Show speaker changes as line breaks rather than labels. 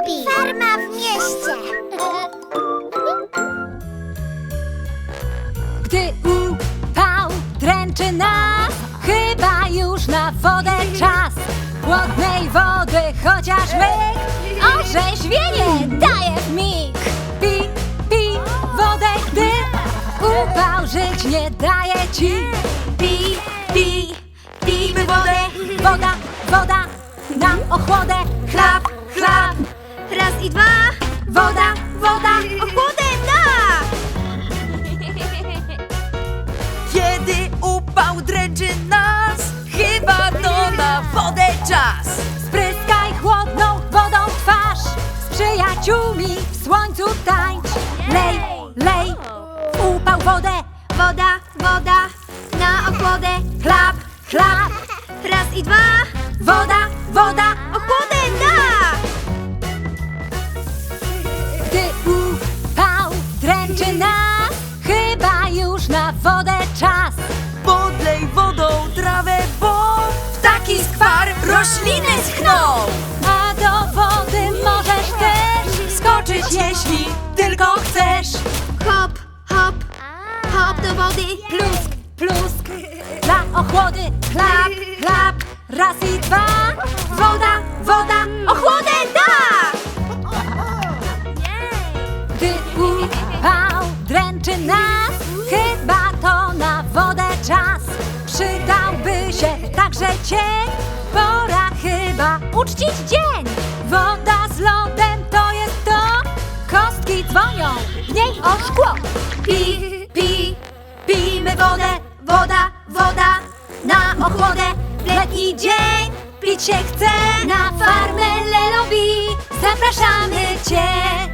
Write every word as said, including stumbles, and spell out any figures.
Lelobi. Farma w mieście.
Gdy upał dręczy nas, chyba już na wodę czas. Chłodnej wody chociaż myk, orzeźwienie daje w mig. Pi, pi, wodę, gdy upał żyć nie daje ci. Pi, pi, pijmy wodę, woda, woda, nam ochłodę. Chlap, chlap,
Raz i dwa.
woda, woda,
Ochłodę da.
Kiedy upał dręczy nas, chyba to na wodę czas.
Spryskaj chłodną wodą twarz, z przyjaciółmi w słońcu tańcz. Lej, lej, upał wodę,
Woda, woda, na ochłodę.
chlap, chlap,
Raz i dwa.
woda, woda.
Ochłodę da.
Gdy upał dręczy nas, chyba już na wodę czas.
Podlej wodą trawę, bo ptaki skwar rośliny schną.
A do wody możesz też
Skoczyć, jeśli tylko chcesz.
Hop, hop, hop do wody.
plusk, plusk, dla ochłody. Chlap, chlap, raz i dwa. Woda, woda,
Ochłodę da.
Gdy upał dręczy nas, chyba to na wodę czas. Przydałby się także cień, pora chyba uczcić dzień. Woda z lodem to jest to, kostki dzwonią w niej o szkło. Pi, pi, pijmy wodę, woda, woda, na ochłodę. W letni dzień pić się chce, na farmę Lelobi zapraszamy Cię.